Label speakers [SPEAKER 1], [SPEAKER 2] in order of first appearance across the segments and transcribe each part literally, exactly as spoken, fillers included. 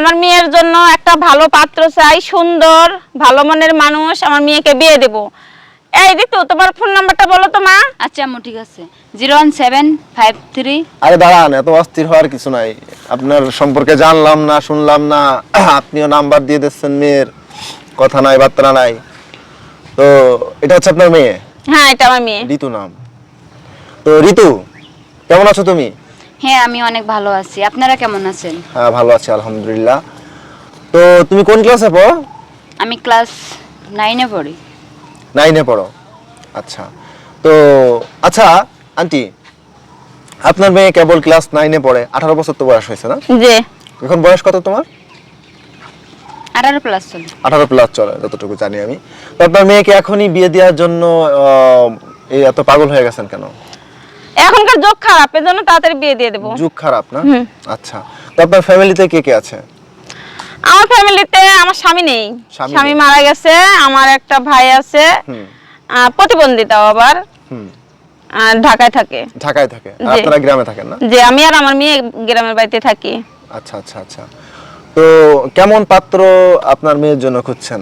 [SPEAKER 1] আমার মেয়ের জন্য একটা ভালো পাত্র চাই, সুন্দর ভালো মনের মানুষ, আমার মেয়েকে বিয়ে দেব। এই ঋতু, তোমার ফোন নাম্বারটা বলো তো মা।
[SPEAKER 2] আচ্ছা আম্মু ঠিক আছে, zero one seven five three.
[SPEAKER 3] আরে দাঁড়ান, এত অস্থির হওয়ার কিছু নাই। আপনার সম্পর্কে জানলাম না, শুনলাম না, আপনিও নাম্বার দিয়ে দিচ্ছেন মেয়ের, কথা নাই বার্তা নাই। তো এটা হচ্ছে আপনার মেয়ে?
[SPEAKER 1] হ্যাঁ, এটা আমার মেয়ে।
[SPEAKER 3] ঋতু নাম। তো ঋতু, কেমন আছো তুমি?
[SPEAKER 2] হ্যাঁ আমি অনেক ভালো আছি, আপনারা কেমন আছেন?
[SPEAKER 3] হ্যাঁ ভালো আছি আলহামদুলিল্লাহ। তো তুমি কোন ক্লাসে পড়ো?
[SPEAKER 2] আমি ক্লাস নাইনে পড়ি।
[SPEAKER 3] নাইনে পড়ো, আচ্ছা। তো আচ্ছা আন্টি, আপনার মেয়ে কেবল ক্লাস নাইনে পড়ে, আঠারো বছর তো বয়স হয়েছে না?
[SPEAKER 1] জি।
[SPEAKER 3] এখন বয়স কত তোমার?
[SPEAKER 2] আঠারো প্লাস চলে।
[SPEAKER 3] আঠারো প্লাস চলে যতটুকু জানি আমি। তো আপনার মেয়েকে এখনই বিয়ে দেওয়ার জন্য এই এত পাগল হয়ে গেছেন কেন?
[SPEAKER 1] এখনকার যুগ খারাপ, এর জন্য তাড়াতাড়ি বিয়ে দিয়ে দেব।
[SPEAKER 3] যুগ খারাপ না? আচ্ছা। তো আপনার ফ্যামিলিতে কে কে আছে?
[SPEAKER 1] আমার ফ্যামিলিতে আমার স্বামী নেই,
[SPEAKER 3] স্বামী
[SPEAKER 1] স্বামী
[SPEAKER 3] নেই।
[SPEAKER 1] মারা গেছে। আমার একটা ভাই আছে,
[SPEAKER 3] হুম
[SPEAKER 1] আহ, প্রতিবন্ধিতাও আবার,
[SPEAKER 3] হুম
[SPEAKER 1] আহ, ঢাকায় থাকে।
[SPEAKER 3] ঢাকায় থাকে, আর
[SPEAKER 1] জি।
[SPEAKER 3] আপনারা গ্রামে থাকেন না?
[SPEAKER 1] যে আমি আর আমার মেয়ে গ্রামের বাড়িতে থাকি।
[SPEAKER 3] আচ্ছা আচ্ছা আচ্ছা। তো কেমন পাত্র আপনার মেয়ের জন্য খুঁজছেন?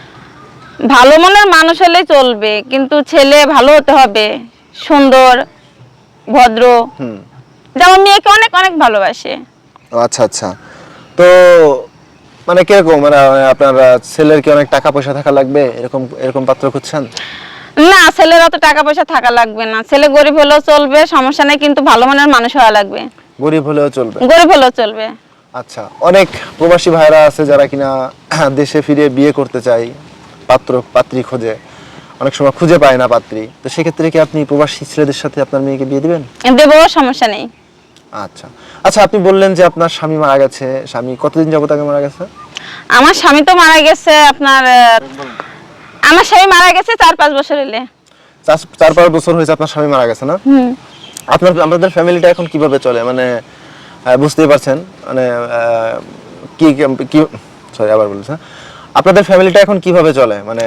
[SPEAKER 1] ভালো মনের মানুষ হলে চলবে, কিন্তু ছেলে ভালো হতে হবে, সুন্দর ভদ্র,
[SPEAKER 3] হুম
[SPEAKER 1] যেমন মেয়েকে অনেক অনেক ভালোবাসে।
[SPEAKER 3] ও আচ্ছা আচ্ছা। তো মানে কিরকম, মানে আপনার ছেলের কি অনেক টাকা পয়সা থাকা লাগবে, এরকম এরকম পাত্র খুঁজছেন?
[SPEAKER 1] না, ছেলের অত টাকা পয়সা থাকা লাগবে না, ছেলে গরিব হলেও চলবে, সমস্যা নেই, কিন্তু ভালো মনের মানুষ হওয়া লাগবে।
[SPEAKER 3] গরিব হলেও চলবে?
[SPEAKER 1] গরিব হলেও চলবে।
[SPEAKER 3] আচ্ছা। অনেক প্রবাসী ভাইরা আছে যারা কিনা দেশে ফিরে বিয়ে করতে চায়, পাত্র পাত্রী খোঁজে, অনেক সময় খুঁজে পায় না পাত্রী। তো সেক্ষেত্রে কি আপনি প্রবাসী ছেলেদের সাথে আপনার মেয়েকে বিয়ে দিবেন?
[SPEAKER 1] দেবো, সমস্যা নেই।
[SPEAKER 3] আচ্ছা আচ্ছা। আপনি বললেন যে আপনার স্বামী মারা গেছে, স্বামী কতদিন যাবত আগে মারা গেছে?
[SPEAKER 1] আমার স্বামী তো মারা গেছে আপনার, আহ, আমার স্বামী মারা গেছে চার পাঁচ বছর হলে।
[SPEAKER 3] চার চার পাঁচ বছর হয়েছে আপনার স্বামী মারা গেছে না?
[SPEAKER 1] হুম।
[SPEAKER 3] আপনার আপনাদের ফ্যামিলিটা এখন কিভাবে চলে, মানে আহ, বুঝতেই পারছেন, মানে আহ, কি কি সরি আবার বলছেন, আপনাদের ফ্যামিলিটা এখন কিভাবে চলে, মানে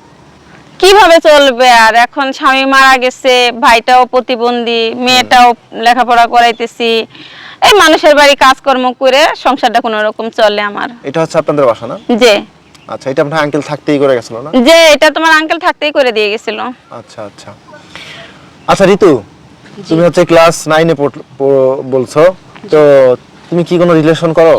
[SPEAKER 1] কিভাবে চলবে আর, এখন স্বামী মারা গেছে, ভাইটাও প্রতিবন্ধী, মেয়েটাও লেখাপড়া করাইতেছি, এই মানুষের বাড়ি কাজকর্ম করে সংসারটা কোনো রকম চলে আমার।
[SPEAKER 3] এটা হচ্ছে আপনাদের বাসা না?
[SPEAKER 1] যে
[SPEAKER 3] আচ্ছা। এটা আপনার আঙ্কেল থাকতেই করে গেছিল না?
[SPEAKER 1] যে এটা তোমার আঙ্কেল থাকতেই করে দিয়ে গেছিল।
[SPEAKER 3] আচ্ছা আচ্ছা আচ্ছা। ঋতু, তুমি হচ্ছে ক্লাস নাইনে বলছো, তো তুমি কি কোনো রিলেশন করো?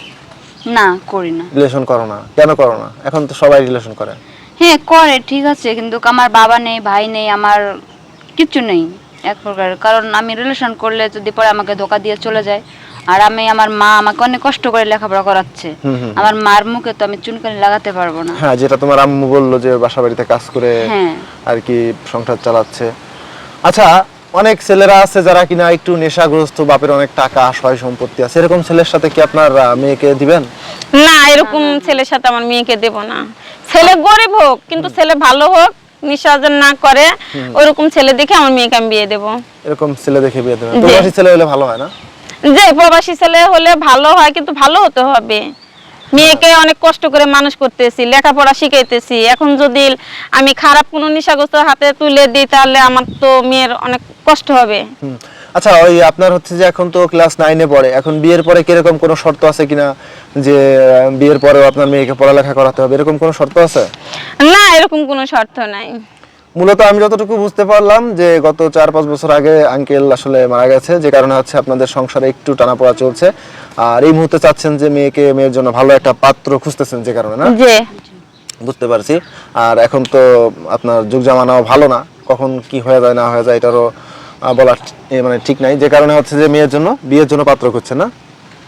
[SPEAKER 2] না করি না।
[SPEAKER 3] রিলেশন করো না কেন? করো না, এখন তো সবাই রিলেশন করে।
[SPEAKER 2] হ্যাঁ করে ঠিক আছে, কিন্তু আমার বাবা নেই, ভাই নেই, আমার কিচ্ছু নেই এক প্রকার। কারণ আমি রিলেশন করলে যদি পরে আমাকে ধোকা দিয়ে চলে যায়, আর আমি আমার মা আমাকে অনেক কষ্ট করে লেখাপড়া করাচ্ছে,
[SPEAKER 3] হুম, হুম।
[SPEAKER 2] আমার মার মুখে তো আমি চুনকানি লাগাতে পারবো না।
[SPEAKER 3] হ্যাঁ, যেটা তোমার আম্মু বললো যে বাসা বাড়িতে কাজ করে
[SPEAKER 2] হ্যাঁ।
[SPEAKER 3] আর কি সংসার চালাচ্ছে। আচ্ছা, অনেক ছেলেরা আছে যারা কিনা একটু নেশাগ্রস্ত, বাপের অনেক টাকা সয় সম্পত্তি আছে, এরকম ছেলের সাথে কি আপনার আহ, মেয়েকে দিবেন?
[SPEAKER 1] না, এরকম ছেলের সাথে আমার মেয়েকে দেব না। ছেলে গরিব হোক, কিন্তু ছেলে ভালো হোক, নিঃসর্জন না করে, ওরকম ছেলে দেখে আমার মেয়েকে আমি বিয়ে দেব।
[SPEAKER 3] এরকম ছেলে দেখে বিয়ে দেবেন?
[SPEAKER 1] জি।
[SPEAKER 3] প্রবাসী ছেলে হলে ভালো হয় না?
[SPEAKER 1] যে প্রবাসী ছেলে হলে ভালো হয়, কিন্তু ভালো হতে হবে। মেয়েকে অনেক কষ্ট করে মানুষ করতেছি, লেখাপড়া শিখাইতেছি, এখন যদি আমি খারাপ কোনো নেশাগ্রস্ত হাতে তুলে দিই, তাহলে আমার তো মেয়ের অনেক কষ্ট হবে।
[SPEAKER 3] হুম। আচ্ছা, ওই আপনার হচ্ছে যে এখন তো ক্লাস নাইনে পড়ে, এখন বিয়ের পরে কিরকম কোনো শর্ত আছে কিনা, যে আহ, বিয়ের পরেও আপনার মেয়েকে পড়ালেখা করাতে হবে, এরকম কোনো শর্ত আছে?
[SPEAKER 1] না, এরকম কোনো শর্ত নাই।
[SPEAKER 3] মূলত আমি যতটুকু বুঝতে পারলাম যে গত চার পাঁচ বছর আগে আঙ্কেল আসলে মারা গেছে, যে কারণে হচ্ছে আপনাদের সংসারে একটু টানাপোড়া চলছে, আর এই মুহূর্তে চাচ্ছেন যে মেয়েকে মেয়ের জন্য ভালো একটা পাত্র খুঁজতেছেন, যে কারণে না?
[SPEAKER 1] যে
[SPEAKER 3] বুঝতে পারছি। আর এখন তো আপনার যুগ জামানাও ভালো না, কখন কি হয়ে যায় না হয়ে যায় এটারও আহ, বলার এ মানে ঠিক নাই, যে কারণে হচ্ছে যে মেয়ের জন্য বিয়ের জন্য পাত্র খুঁজছেন না?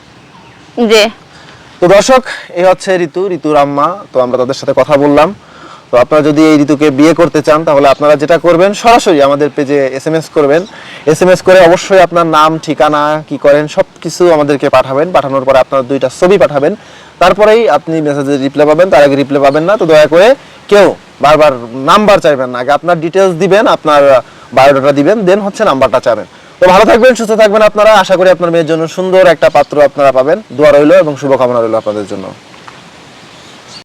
[SPEAKER 1] যে
[SPEAKER 3] তো দর্শক, এই হচ্ছে ঋতু, ঋতুর আম্মা। তো আমরা তাদের সাথে কথা বললাম। তো আপনারা যদি এই ঋতুকে বিয়ে করতে চান, তাহলে আপনারা যেটা করবেন, সরাসরি আমাদের পেজে এসএমএস করবেন। এসএমএস করে অবশ্যই আপনার নাম, ঠিকানা, কি করেন সব কিছু আমাদেরকে পাঠাবেন। পাঠানোর পরে আপনার দুইটা ছবি পাঠাবেন, তারপরেই আপনি মেসেজে রিপ্লাই পাবেন, তার আগে রিপ্লাই পাবেন না। তো দয়া করে কেউ বারবার নাম্বার চাইবেন না, আগে আপনার ডিটেলস দিবেন, আপনার বায়োডাটা দিবেন, দেন হচ্ছে নাম্বারটা চাবেন। তো ভালো থাকবেন, সুস্থ থাকবেন আপনারা। আশা করি আপনার মেয়ের জন্য সুন্দর একটা পাত্র আপনারা পাবেন। দোয়া রইল এবং শুভকামনা রইল আপনাদের জন্য।